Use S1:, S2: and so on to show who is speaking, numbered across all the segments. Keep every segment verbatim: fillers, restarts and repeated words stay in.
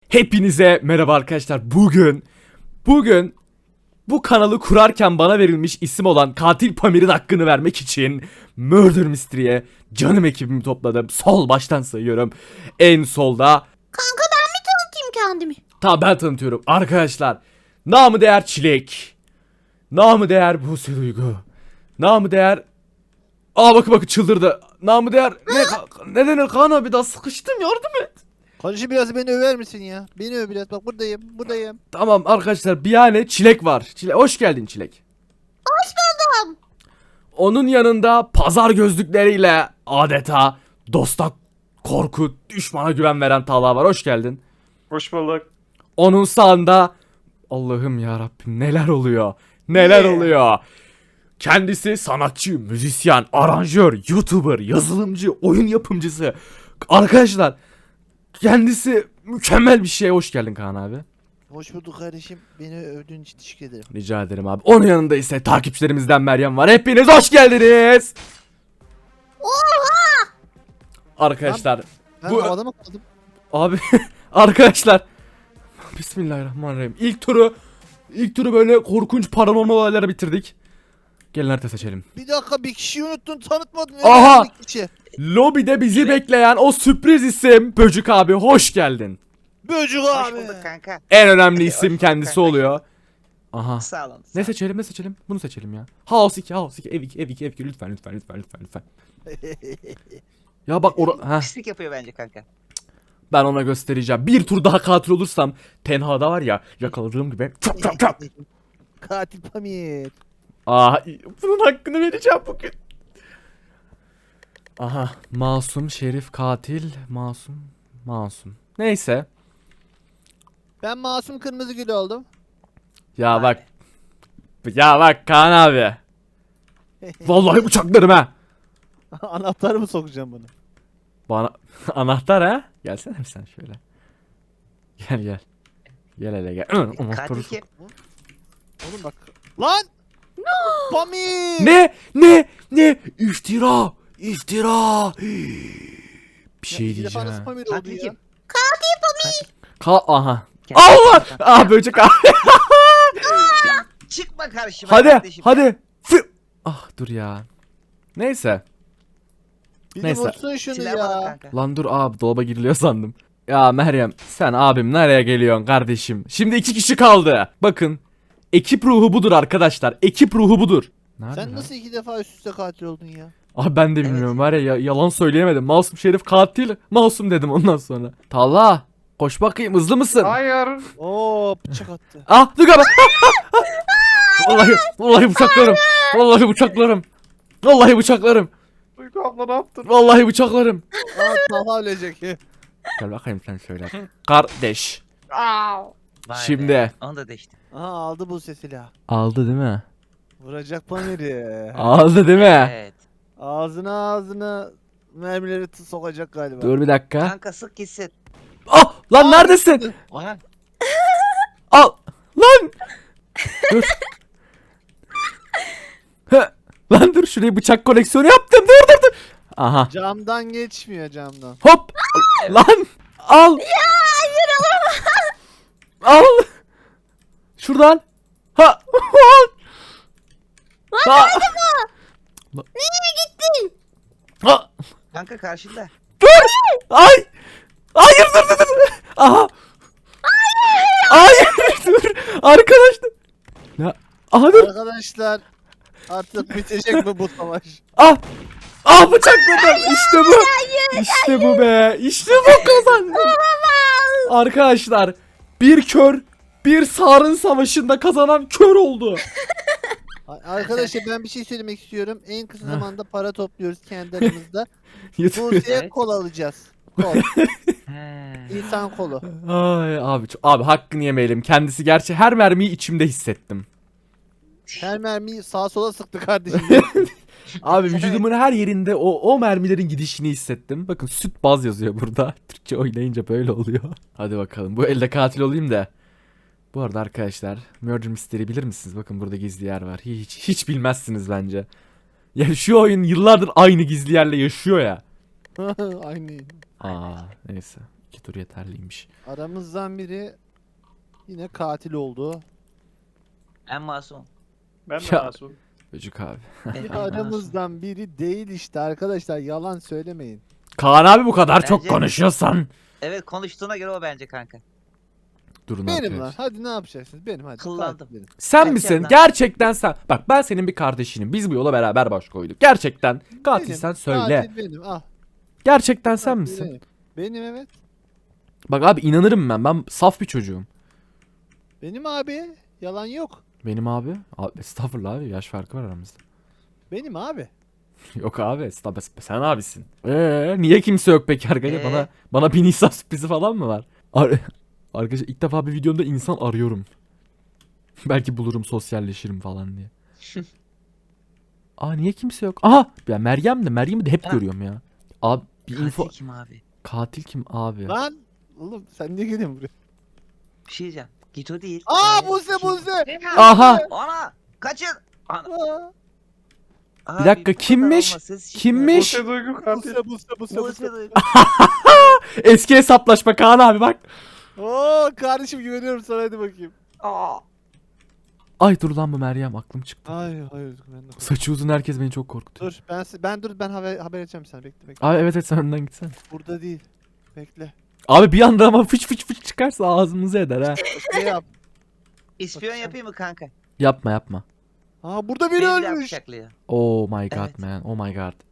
S1: Hepinize merhaba arkadaşlar. Bugün bugün bu kanalı kurarken bana verilmiş isim olan Katil Pamir'in hakkını vermek için Murder Mystery'e canım ekibimi topladım. Sol baştan sayıyorum. En solda
S2: Kanka ben mi tanıtayım kendimi?
S1: ta ben tanıtıyorum arkadaşlar. Namı değer Çilek. Namı değer Buse Duygu. Namı değer Aa bakın bakın çıldırdı. Namı değer ne ne denir Kaan abi, daha sıkıştım, yardım et.
S3: Kardeşim biraz beni över misin ya? Beni öv biraz, bak buradayım buradayım.
S1: Tamam arkadaşlar, bir yani Çilek var. Çilek, hoş geldin Çilek.
S2: Hoş buldum.
S1: Onun yanında pazar gözlükleriyle adeta dosta korku, düşmana güven veren Talha var. Hoş geldin.
S4: Hoş bulduk.
S1: Onun sağında Allah'ım ya Rabbim, neler oluyor? Neler
S3: Yeah.
S1: oluyor? Kendisi sanatçı, müzisyen, aranjör, YouTuber, yazılımcı, oyun yapımcısı. Arkadaşlar, kendisi mükemmel bir şey. Hoş geldin Kaan abi.
S3: Hoş bulduk kardeşim. Beni övdüğün için teşekkür ederim.
S1: Rica ederim abi. Onun yanında ise takipçilerimizden Meryem var. Hepiniz hoş geldiniz.
S2: Oha!
S1: Arkadaşlar
S3: Ben
S1: Bu-
S3: havada mı kaldım?
S1: abi arkadaşlar Bismillahirrahmanirrahim. İlk turu ilk turu böyle korkunç paranormal olaylara bitirdik. Gelin harita seçelim.
S3: Bir dakika, bir kişiyi unuttun, tanıtmadın.
S1: Aha!
S3: Bir kişi.
S1: Lobide bizi bekleyen o sürpriz isim Böcük abi, hoş geldin.
S3: Böcük
S5: Hoş
S3: abi.
S5: bulduk kanka.
S1: En önemli isim
S5: bulduk
S1: kendisi
S5: kanka.
S1: oluyor. Aha.
S5: Sağ olun.
S1: Ne seçelim ne seçelim? Bunu seçelim ya. House iki, House iki, ev iki, ev iki, ev iki, lütfen lütfen lütfen lütfen lütfen. Ya bak ora ha,
S5: Pislik yapıyor bence kanka.
S1: ben ona göstereceğim. Bir tur daha katil olursam tenhada var ya, yakaladığım gibi çap çap çap.
S3: Katil Pamir.
S1: Aa, bunun hakkını vereceğim bugün. Aha, masum, şerif, katil, masum, masum. Neyse.
S3: Ben masum kırmızı gül oldum.
S1: Ya bak. Ya bak Kaan abi. Vallahi bıçaklarım ha.
S3: Anahtarı mı sokacağım bunu?
S1: Bana anahtar ha? Gelsene bir sen şöyle. Gel gel. Gel hele gel. Anahtarı
S5: Katil
S1: sok.
S5: kim?
S3: Oğlum bak. Lan! Pamir!
S1: Ne? Ne? Ne? İftira! İftira! Bir şey
S3: Ya, bir defa nasıl
S1: diyeceğim.
S3: Pamir oldu
S5: Katil
S3: ya?
S5: kim?
S1: Ka aha.
S5: Kendi-
S1: Allah! Ah böcek abi.
S5: Çıkma karşıma
S1: Hadi
S5: kardeşim.
S1: hadi. Fı- Ah dur ya. Neyse.
S3: Bir
S1: Neyse.
S3: de vursun şunu
S5: Silah bana
S3: ya.
S5: kanka.
S1: Lan dur abi, dolaba giriliyor sandım. Ya Meryem, sen abim nereye geliyorsun kardeşim? Şimdi iki kişi kaldı. Bakın. Ekip ruhu budur arkadaşlar. Ekip ruhu budur. Nerede
S3: Sen
S1: lan?
S3: nasıl iki defa üst üste katil oldun ya?
S1: Abi ben de bilmiyorum var ya, ya- yalan söyleyemedim. Masum şerif katil. Masum dedim ondan sonra. Talha, koş bakayım, hızlı mısın?
S4: Hayır.
S3: Oo, bıçak attı.
S1: Ah dur abi. Vallahi vallahi bıçaklarım. Vallahi bıçaklarım. Vallahi bıçaklarım.
S4: Duygu abla ne yaptın?
S1: Vallahi bıçaklarım.
S3: Aa, Talha ölecek.
S1: Gel bakayım sen şöyle. Kardeş.
S5: Vay
S1: Şimdi.
S5: be, Onu da değişti.
S3: Aha, aldı bu silah.
S1: Aldı değil mi?
S3: Vuracak Pamir'i.
S1: Aldı değil mi?
S5: Evet.
S3: Ağzına ağzına mermileri t- sokacak galiba.
S1: Dur bir dakika.
S5: Kanka sık gitsin.
S1: Ah lan neredesin?
S5: Aha.
S1: Al lan. Dur. Hı, lan dur, şuraya bıçak koleksiyonu yaptım. Dur dur dur. Aha.
S3: Camdan geçmiyor camdan.
S1: Hop. Lan. Al. Ya hayır, al. Şuradan. Ha. Lan ha.
S2: Nereye gittin?
S1: Ha.
S5: Kanka karşında.
S1: Ay. Hayır dur dur dur. Aha. Hayır. Dur. Arkadaşlar. Ya. Aha dur.
S3: Arkadaşlar, artık bitecek mi bu savaş?
S1: Ah! Ah bıçakladım. İşte bu. İşte bu be. İşte bu kazandı. Arkadaşlar, bir kör, bir sarın savaşında kazanan kör oldu.
S3: A- Arkadaşlar, ben bir şey söylemek istiyorum. En kısa zamanda para topluyoruz kendi aramızda.
S1: Yeter.
S3: Buse'ye
S5: Evet.
S3: kol alacağız. Kol.
S5: He.
S3: İnsan kolu.
S1: Ay abi, çok- abi hakkını yemeyelim. Kendisi gerçi her mermiyi içimde hissettim.
S3: Her mermiyi sağa sola sıktı kardeşim.
S1: Abi vücudumun her yerinde o o mermilerin gidişini hissettim. Bakın süt baz yazıyor burada. Türkçe oynayınca böyle oluyor. Hadi bakalım, bu elde katil olayım da. Bu arada arkadaşlar, Murder Mystery bilir misiniz? Bakın burada gizli yer var. Hiç hiç bilmezsiniz bence. Yani şu oyun yıllardır aynı gizli yerle yaşıyor ya.
S3: Aynı.
S1: Aa neyse. İki tur yeterliymiş.
S3: Aramızdan biri yine katil oldu.
S5: En masum.
S4: Ben de
S1: Ya.
S4: masum.
S1: Çocuk abi.
S5: En masum.
S3: Aramızdan biri değil işte arkadaşlar, yalan söylemeyin.
S1: Kaan abi bu kadar çok
S5: Bence-
S1: konuşuyorsan.
S5: Evet, konuştuğuna göre o bence kanka.
S1: Durun
S3: Benim
S1: arkadaşlar.
S3: lan, hadi ne yapacaksınız? Benim hadi.
S5: Kıllandım.
S3: katil benim.
S1: Sen
S5: Gerçekten.
S1: misin? Gerçekten sen. Bak ben senin bir kardeşinim. Biz bu yola beraber baş koyduk. Gerçekten katilsen
S3: Benim,
S1: söyle.
S3: Katil benim, ah.
S1: Gerçekten sen
S3: katil
S1: misin?
S3: Benim. Benim evet.
S1: Bak abi inanırım ben. Ben saf bir çocuğum.
S3: Benim abi. Yalan yok.
S1: Benim abi. Abi estağfurullah abi. Yaş farkı var aramızda.
S3: Benim abi.
S1: Yok abi estağfurullah. Sen abisin. Eee niye kimse yok peki arkadaşlar?
S5: Ee?
S1: Bana bana bir Nisan sürprizi falan mı var? Ar arkadaşlar ilk defa bir videomda insan arıyorum. Belki bulurum, sosyalleşirim falan diye. Aa niye kimse yok? Aha! Ya Meryem de Meryem'i de hep
S5: Ha.
S1: görüyorum ya. Abi bir
S5: Katil
S1: info.
S5: kim abi?
S1: Katil kim abi?
S3: Lan. Oğlum sen niye geliyorsun buraya?
S5: Bir şey diyeceğim. Git o değil.
S3: Aa
S5: Ee,
S3: Buse
S5: kim?
S3: Buse.
S1: Aha!
S5: Ana! Kaçın! Ana.
S3: Aa,
S5: Abi,
S1: dakika,
S5: bu kadar
S1: kimmiş?
S5: olmasa siz-
S1: Kimmiş?
S4: Buse Duygu katil.
S3: Buse Buse Buse
S5: Bu
S3: Buse.
S5: sırada-
S1: Eski hesaplaşma Kaan abi bak.
S3: Oo kardeşim, güveniyorum sana, hadi bakayım.
S5: Aa!
S1: Ay dur lan bu Meryem aklım çıktı.
S3: Hayır hayır ben de.
S1: Saçı uzun herkes beni çok korkutuyor.
S3: Dur ben ben dur ben haber haber edeceğim sana, bekle bekle.
S1: Abi evet evet sen önden gitsen.
S3: Burada değil. Bekle.
S1: Abi bir anda ama fıç fıç fıç çıkarsa ağzımızı eder ha.
S3: Şey yap.
S5: İspiyon yapayım mı kanka?
S1: Yapma yapma.
S3: Aa burada biri
S5: Beni de
S3: ölmüş.
S5: bıçaklıyor.
S1: Oh my god
S5: Evet.
S1: man. Oh my god.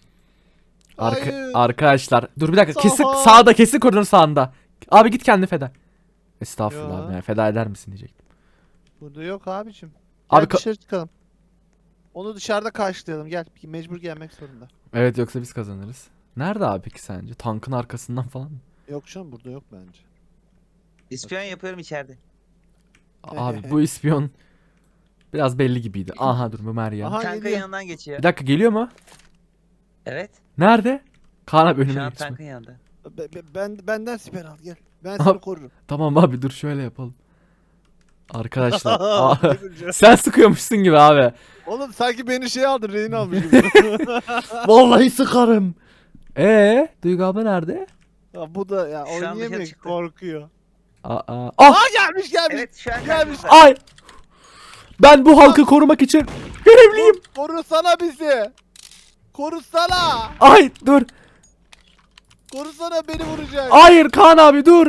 S1: Arka
S3: Hayır.
S1: arkadaşlar dur bir dakika. Kesin
S3: Saha.
S1: sağda, kesin koridorun sağında. Abi git kendini feda. Estağfurullah
S3: Ya.
S1: abi. Yani feda eder misin diyecektim.
S3: Burada yok abicim.
S1: Abi
S3: Gel
S1: ka-
S3: dışarı çıkalım. Onu dışarıda karşılayalım, gel. Mecbur gelmek zorunda.
S1: Evet yoksa biz kazanırız. Nerede abi peki sence? Tankın arkasından falan mı?
S3: Yok canım, burada yok bence.
S5: İspiyon yapıyorum içeride.
S1: Abi bu ispiyon biraz belli gibiydi. Aha dur bu Meryem.
S3: Aha
S5: Kanka
S3: geliyor.
S5: yanından geçiyor.
S1: Bir dakika geliyor mu?
S5: Evet.
S1: Nerede? Kaan abi
S5: Şu
S1: önüme
S5: an
S1: geçme.
S5: tankın yanında.
S3: Be- be- ben benden siper al, gel. Ben
S1: Aha.
S3: seni korurum.
S1: Tamam abi dur şöyle yapalım. Arkadaşlar. Aa,
S3: Ne güleceğim?
S1: sen sıkıyormuşsun gibi abi.
S3: Oğlum sanki beni şey aldın, rehin almış gibi.
S1: Vallahi sıkarım. Ee, Duygu abla nerede?
S3: Ya bu da ya
S5: Şu an dışarı
S3: oynayamıyor,
S5: çıktı.
S3: korkuyor.
S1: Aa, aa. Ah!
S3: Aa gelmiş gelmiş.
S5: Evet şu an
S3: Gelmiş.
S5: karşımda.
S1: Ay! Ben bu halkı korumak için görevliyim.
S3: Korusana bizi. Korusana.
S1: Ay dur.
S3: Korusana, beni vuracak.
S1: Hayır Kaan abi dur.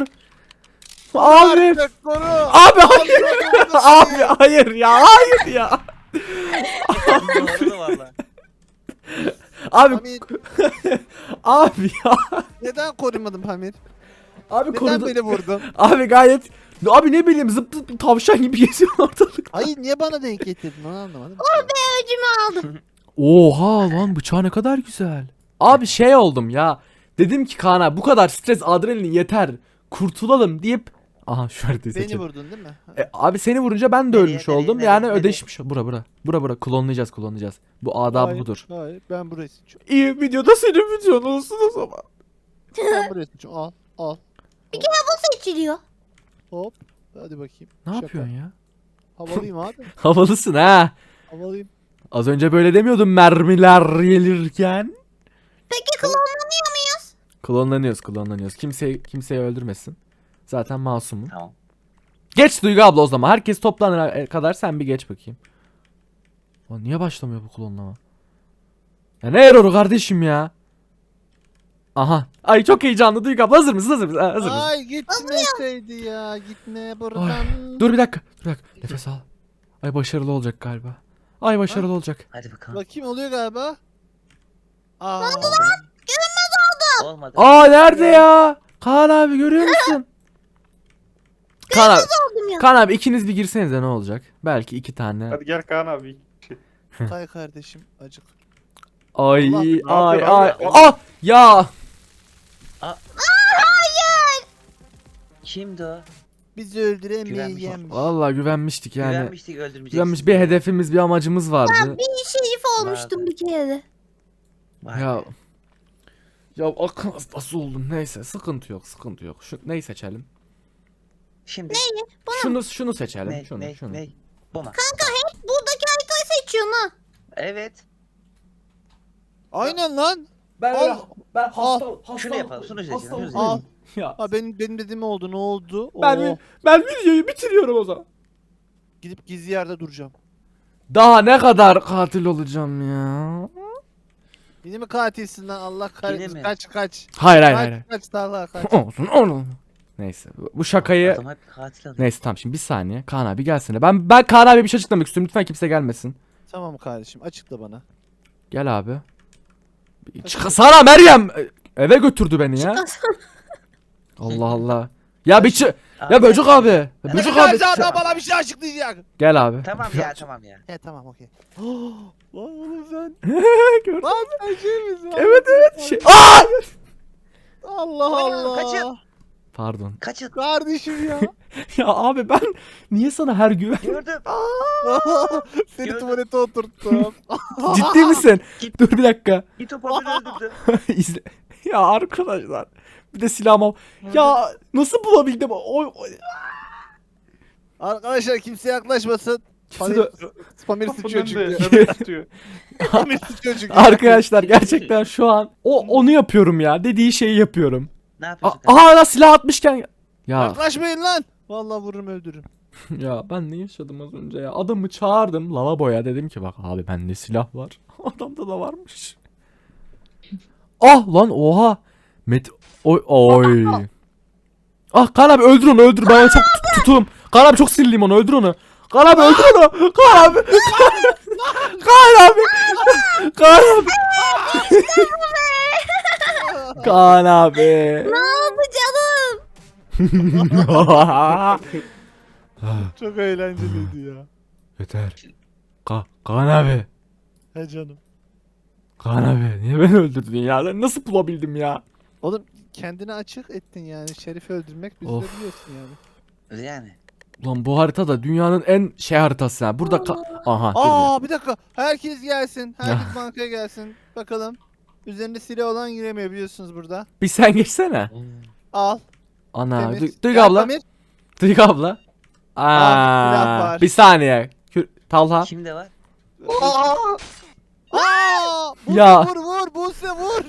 S1: Abi.
S3: Artık koru.
S1: Abi hayır. Abi hayır ya. Hayır ya.
S5: Doğru valla.
S1: Abi
S3: Hamit,
S1: abi ya.
S3: neden korumadın Hamit?
S1: Abi
S3: Neden
S1: korudu.
S3: beni vurdun?
S1: Abi gayet abi ne bileyim zıp zıp tavşan gibi geziyor ortalık.
S3: Hayır, niye bana denk getirdin, onu anlamadım.
S2: Öcümü aldım.
S1: Oha lan bıçağı ne kadar güzel. Abi şey oldum ya. Dedim ki Kaan abi bu kadar stres adrenalin yeter. Kurtulalım deyip. Aha şu haritayı
S3: Beni
S1: seçelim.
S3: vurdun değil mi?
S1: E, abi seni vurunca ben de
S5: Nereye,
S1: ölmüş
S5: nereye,
S1: oldum.
S5: nereye,
S1: yani
S5: nereye?
S1: ödeşmiş. Bura bura. Bura bura. Klonlayacağız klonlayacağız. Bu adabı
S3: Hayır,
S1: budur.
S3: Hayır, ben burayı seçiyorum.
S1: İyi videoda senin videon olsun o zaman.
S3: Ben burayı seçiyorum. Al, al.
S2: Bu seçiliyor.
S3: Hop. Hadi bakayım.
S1: Ne
S3: Şaka.
S1: yapıyorsun ya?
S3: Havalıyım abi.
S1: Havalısın ha.
S3: Havalıyım.
S1: Az önce böyle demiyordun mermiler gelirken.
S2: Peki klonlanıyor muyuz?
S1: Klonlanıyoruz klonlanıyoruz. Kimse kimseyi öldürmesin. Zaten masumum.
S5: Tamam.
S1: Geç Duygu abla o zaman. Herkes toplanana kadar sen bir geç bakayım. Lan niye başlamıyor bu klonlama? Ya ne erroru kardeşim ya? Aha. Ay çok heyecanlı Duygu abla. Hazır mısın? Hazır mısın? Ha, hazır mısın?
S3: Ay gitmeseydi ya. Gitme buradan.
S1: Dur bir dakika. Dur bir dakika. Nefes al. Ay başarılı olacak galiba. Ay başarılı olacak.
S5: Hadi bakalım.
S3: Bakayım, oluyor galiba. Aa.
S5: Olmadı.
S1: Aa nerede ya? Kaan abi görüyor musun? Kaan abi.
S2: Oldum ya.
S1: Kaan abi ikiniz bir girsenize ne olacak? Belki iki tane.
S4: Hadi gel Kaan abi.
S3: Tay kardeşim, acık.
S1: Ay
S3: Allah,
S1: ay
S4: ne
S1: ay.
S4: yapıyor abi?
S1: Ah ya.
S5: Kimdi o?
S3: Bizi öldüremeyen.
S5: Güvenmiş.
S1: Vallahi güvenmiştik yani.
S5: Güvenmiştik öldürmeyeceksin.
S1: Güvenmiş bir hedefimiz bir amacımız vardı.
S2: Bir şerif olmuştum bir kere de.
S5: Vay
S1: Ya
S5: be.
S1: ya akıl hastası oldum. Neyse sıkıntı yok sıkıntı yok. Şu neyi seçelim?
S5: Şimdi
S1: Şunu şunu seçelim.
S5: ne
S1: şunu
S5: ne
S1: şunu.
S5: ne? Bu mu?
S2: Buradaki haritayı seçiyorsun ha.
S5: Evet.
S3: Aynen lan.
S1: Ben
S3: Al.
S1: ben
S3: hasta-
S5: Şunu yapalım. Şunu seçelim. Şunu seçelim.
S3: Al.
S1: Ya
S3: Ha benim benim dediğim oldu. Ne oldu?
S1: ben
S3: Oo,
S1: ben videoyu bitiriyorum o zaman.
S3: gidip gizli yerde duracağım.
S1: Daha ne kadar katil olacağım ya?
S3: Yine mi katilsin lan? Allah
S5: Yine
S3: kahretsin.
S5: mi?
S3: Kaç kaç.
S1: Hayır hayır
S3: Kaç
S1: hayır.
S3: kaç Talha kaç.
S1: Olsun oğlum. Neyse bu şakayı
S5: Adam hep katil alıyor.
S1: neyse tamam şimdi bir saniye Kaan abi gelsene. Ben ben Kaan abi bir şey açıklamak istiyorum. Lütfen kimse gelmesin.
S3: Tamam kardeşim açıkla bana.
S1: Gel abi. Çıksana Meryem. Eve götürdü beni ya. Allah Allah. Ya bir çı-
S5: Abi,
S1: Ya Böcük abi. Ya Böcük abi.
S3: Böcük adam bana bir şey açıklayacak.
S1: Gel abi.
S5: Tamam ya tamam ya.
S3: He tamam okey. Lan oğlum sen.
S1: Gördün.
S3: Lan sen şey misin?
S1: Evet evet. Şey. Aa!
S3: Allah
S5: Aa,
S3: Allah.
S5: kaçın.
S1: Pardon.
S5: Kaçın.
S3: Kardeşim ya.
S1: Ya abi ben niye sana her gün
S5: Gördüm.
S3: Seni
S5: Gördüm.
S3: tuvalete oturttum.
S1: ciddi misin? Dur bir dakika.
S5: Git o papını öldürdü.
S1: İzle. Ya arkadaşlar. Bir de silahım. Ya nasıl bulabildim? Oy, oy.
S3: Arkadaşlar kimse yaklaşmasın.
S1: Kimse de-
S3: Pamir sıçıyor
S4: Kapının
S3: çünkü.
S4: önünde öbür tutuyor.
S3: Pamir sıçıyor çünkü.
S1: Arkadaşlar gerçekten şu an o onu yapıyorum ya. Dediği şeyi yapıyorum.
S5: Ne
S1: A-
S5: yapıyorsun?
S1: Aha lan silah atmışken ya
S3: Yaklaşmayın lan. Vallahi vururum öldürürüm.
S1: ya ben ne yaşadım az önce ya. Adamı çağırdım lavaboya dedim ki bak abi bende silah var. Adamda da varmış. Ah lan oha. Met oy oy. Ah Kaan abi öldür onu öldür. Ben onu çok tut- tutum. Kaan abi çok sinirliyim onu öldür onu. Kaan abi öldür onu. Kaan abi. Kaan abi. Kaan abi. Kaan abi.
S2: Ne oldu canım?
S3: Çok eğlenceliydi ya.
S1: Yeter. Ka Kaan abi.
S3: He canım.
S1: Kaan abi niye beni öldürdün ya? Ben nasıl bulabildim ya?
S3: Oğlum kendini açık ettin yani. Şerif'i öldürmek biz de
S1: Of.
S3: biliyorsun yani.
S5: Yani.
S1: Ulan bu harita da dünyanın en şey haritası ya. Burada ka- aha dur bir.
S3: Aa bir dakika. Herkes gelsin.
S1: Ya.
S3: Herkes bankaya gelsin. Bakalım. Üzerinde silah olan giremiyor biliyorsunuz burada.
S1: Bir sen geçsene.
S3: Al.
S1: Ana
S3: Temiz.
S1: Duygu Duygu
S3: Gel
S1: abla.
S3: Pamir.
S1: Duygu abla.
S3: silah
S1: Aa,
S3: var.
S1: bir saniye. Kür- Talha.
S5: Kimde var?
S3: Aa! Aa! Buse
S1: Ya.
S3: vur vur Buse vur.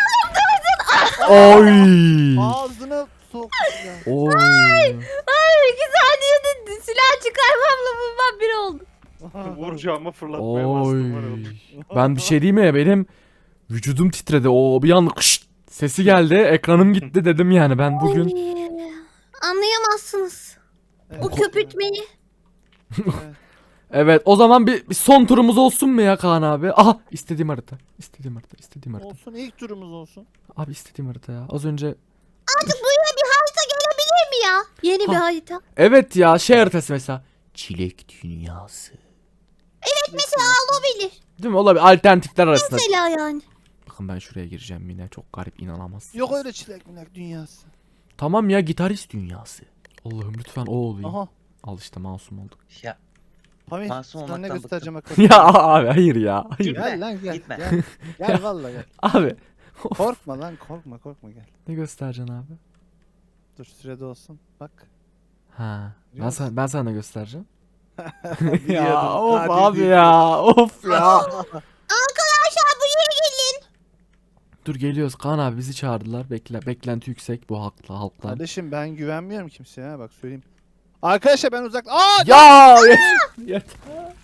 S1: Oy.
S3: Ağzına sok. ya.
S1: Oy.
S2: Ay iki saniyede silah çıkarmamla bulmam bir oldu.
S4: Vuracağıma fırlatmaya bastım. var
S1: Oy.
S4: ya.
S1: Ben bir şey diyeyim mi? Benim vücudum titredi. O bir anda kışt sesi geldi. Ekranım gitti dedim yani ben bugün.
S2: Ay, anlayamazsınız. Bu
S3: Evet.
S2: köpürtmeyi.
S3: Evet.
S1: Evet o zaman bir, bir son turumuz olsun mu ya Kaan abi? Aha istediğim harita. İstediğim harita. istediğim harita.
S3: Olsun ilk turumuz olsun.
S1: Abi istediğim harita ya. Az önce
S2: Artık buraya bir harita gelebilir mi ya? Yeni bir
S1: Ha.
S2: harita.
S1: evet ya şey haritası mesela. Çilek dünyası.
S2: Mesela olabilir.
S1: Değil mi? Olabilir. Alternatifler arasında.
S2: Mesela yani.
S1: Bakın ben şuraya gireceğim yine. Çok garip inanamazsınız.
S3: Yok öyle çilek milek dünyası.
S1: Tamam ya gitarist dünyası. Allah'ım lütfen o olayım.
S3: Aha.
S1: Al işte masum olduk.
S5: Ya.
S3: Pamir
S5: Masum
S3: sana ne
S5: olmaktan
S3: göstereceğim bakalım.
S1: ya abi hayır ya. Hayır.
S5: Gitme,
S3: Gel lan gel.
S5: gitme.
S3: Gel, gel vallahi gel.
S1: Abi.
S3: Korkma lan korkma korkma gel.
S1: Ne göstereceksin abi?
S3: Dur sürede olsun. Bak.
S1: Ha. Ben
S3: Biliyor
S1: sana, ben sana ne göstereceğim?
S3: Biliyordum,
S1: ya of
S3: katil
S1: abi
S3: değil.
S1: ya. Of ya.
S2: Arkadaşlar buraya gelin.
S1: Dur geliyoruz. Kaan abi bizi çağırdılar. Bekle, beklenti yüksek bu halkla halktan.
S3: Kardeşim ben güvenmiyorum kimseye ha bak söyleyeyim. Arkadaşlar ben uzak... Aa!
S1: Ya yeter. yeter.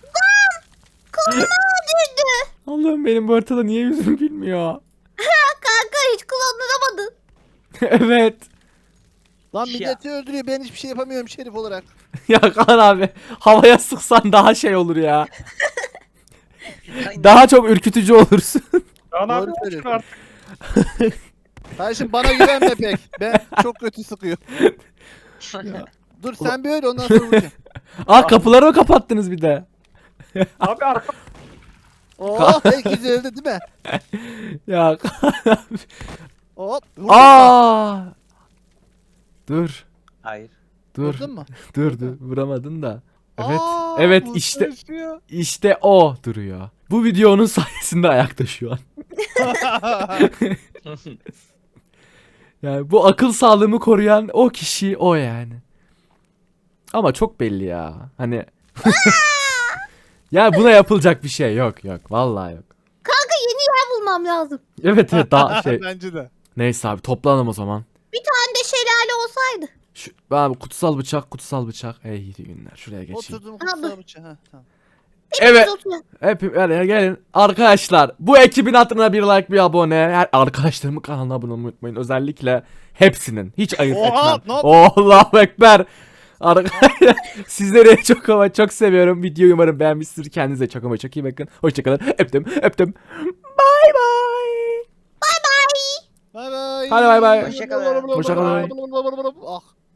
S1: Allah'ım benim bu haritada niye yüzüm gülmüyor?
S2: Kanka hiç kullanılamadın.
S1: Evet.
S3: Lan
S5: Ya.
S3: milleti öldürüyor ben hiçbir şey yapamıyorum şerif olarak.
S1: Ya Kaan abi havaya sıksan daha şey olur ya.
S5: Aynen.
S1: Daha çok ürkütücü olursun.
S4: Kaan
S3: Doğru
S4: abi çık
S3: söylüyorsun.
S4: artık.
S3: Kardeşim bana güvenme pek. Ben çok kötü sıkıyor. Dur sen bir öyle ondan sonra vuracağım.
S1: Aa kapıları mı kapattınız bir de?
S4: Abi arka.
S3: Oh herkes öldü değil mi?
S1: Ya Kaan abi.
S3: Hop. Vurdun mu?
S1: Aa! Dur.
S5: Hayır.
S1: Dur.
S3: Vurdun mu?
S1: Dur dur vuramadın da. Evet.
S3: Aa,
S1: evet
S3: bu
S1: işte
S3: taşıyor.
S1: işte o duruyor. Bu video onun sayesinde ayakta şu an. Yani bu akıl sağlığımı koruyan o kişi o yani. Ama çok belli ya. Hani ya buna yapılacak bir şey yok yok. Vallahi yok.
S2: Kanka yeni yer bulmam lazım.
S1: Evet evet daha şey.
S3: Bence de.
S1: Neyse abi toplanalım o zaman.
S2: Bir tane de olsaydı.
S1: Şu, abi kutsal bıçak kutsal bıçak. Ey iyi günler. Şuraya geçeyim.
S3: Oturdum kutsal bıçağı. Ha, tamam.
S1: Evet.
S2: Biz oturalım.
S1: Hep yani gelin arkadaşlar bu ekibin hatırına bir like bir abone her arkadaşlarımın kanalına abone olmayı unutmayın özellikle hepsinin hiç ayırt
S3: Oha,
S1: etmem.
S3: ne yap-
S1: Allahu ekber. Arkadaşlar sizleri çok ama çok seviyorum. Videoyu umarım beğenmişsinizdir. Kendinize çok ama çok iyi bakın. Hoşçakalın. Öptüm öptüm. Bye bye.
S3: Bay bay.
S1: Hadi bay bay.
S5: Hoşça kalın.
S1: Hoşça kalın.
S3: Ah.